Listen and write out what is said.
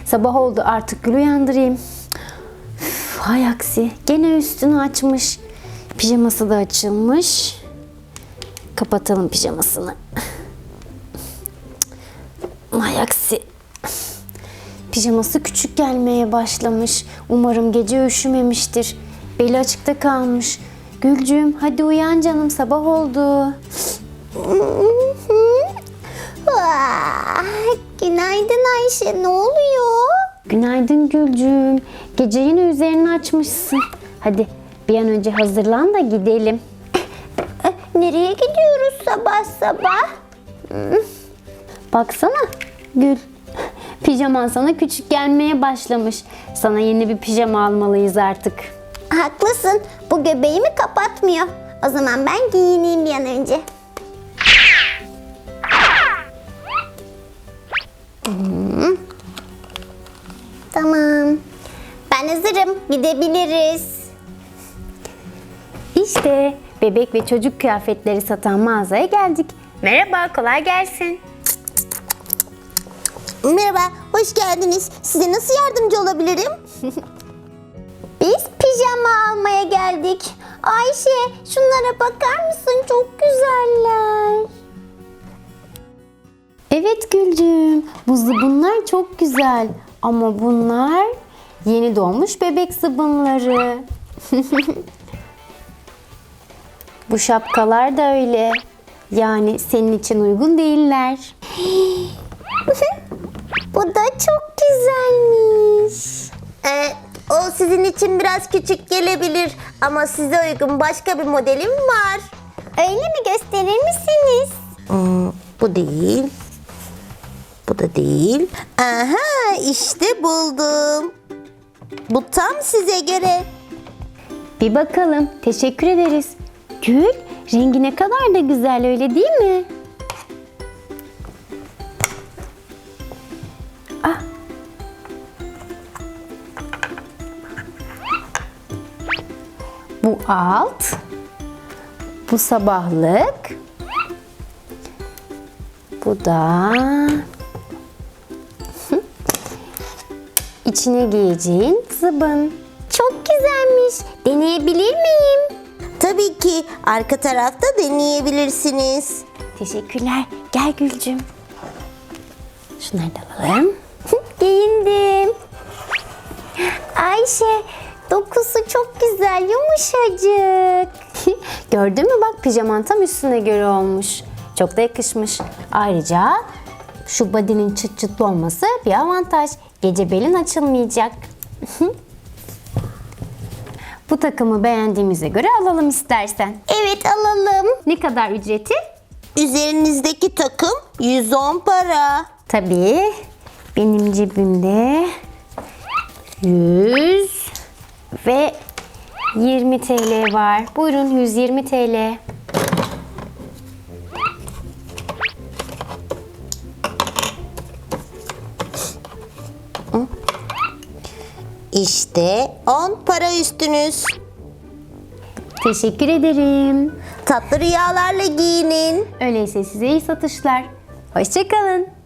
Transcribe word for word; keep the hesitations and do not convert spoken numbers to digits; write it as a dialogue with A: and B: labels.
A: Sabah oldu, artık Gül'ü uyandırayım. Üf, hay aksi. Gene üstünü açmış. Pijaması da açılmış. Kapatalım pijamasını. Hay aksi. Pijaması küçük gelmeye başlamış. Umarım gece üşümemiştir. Beli açıkta kalmış. Gülcüğüm hadi uyan canım, sabah oldu.
B: Günaydın Ayşe, ne oluyor?
A: Günaydın Gülcüğüm. Gece yine üzerini açmışsın. Hadi bir an önce hazırlan da gidelim.
B: Nereye gidiyoruz sabah sabah?
A: Baksana Gül. Pijaman sana küçük gelmeye başlamış. Sana yeni bir pijama almalıyız artık.
B: Haklısın, bu göbeğimi kapatmıyor. O zaman ben giyineyim bir an önce. Hmm. Tamam. Ben hazırım. Gidebiliriz.
A: İşte bebek ve çocuk kıyafetleri satan mağazaya geldik. Merhaba, kolay gelsin.
B: Merhaba, hoş geldiniz. Size nasıl yardımcı olabilirim? Biz pijama almaya geldik. Ayşe, şunlara bakar mısın? Çok güzeller.
A: Evet Gülcüğüm, bu zıbınlar çok güzel. Ama bunlar yeni doğmuş bebek zıbınları. Bu şapkalar da öyle. Yani senin için uygun değiller.
B: Bu da çok güzelmiş. Ee, o sizin için biraz küçük gelebilir ama size uygun başka bir modelim var. Öyle mi? Gösterir misiniz? Hmm, bu değil. Bu da değil. Aha, işte buldum. Bu tam size göre.
A: Bir bakalım. Teşekkür ederiz. Gül, rengi ne kadar da güzel, öyle değil mi? Ah. Bu alt. Bu sabahlık. Bu da içine giyeceğin zıbın.
B: Çok güzelmiş. Deneyebilir miyim? Tabii ki. Arka tarafta deneyebilirsiniz.
A: Teşekkürler. Gel Gülcüm. Şunları da alalım.
B: Giyindim. Ayşe, dokusu çok güzel, yumuşacık.
A: Gördün mü, bak pijaman tam üstüne göre olmuş. Çok da yakışmış. Ayrıca şu body'nin çıt çıtlı olması bir avantaj. Gece belin açılmayacak. Bu takımı beğendiğimize göre alalım istersen.
B: Evet, alalım.
A: Ne kadar ücreti?
B: Üzerinizdeki takım yüz on para.
A: Tabii benim cebimde yüz ve yirmi T L var. Buyurun, yüz yirmi T L.
B: İşte on para üstünüz.
A: Teşekkür ederim.
B: Tatlı rüyalarla giyinin.
A: Öyleyse size iyi satışlar. Hoşça kalın.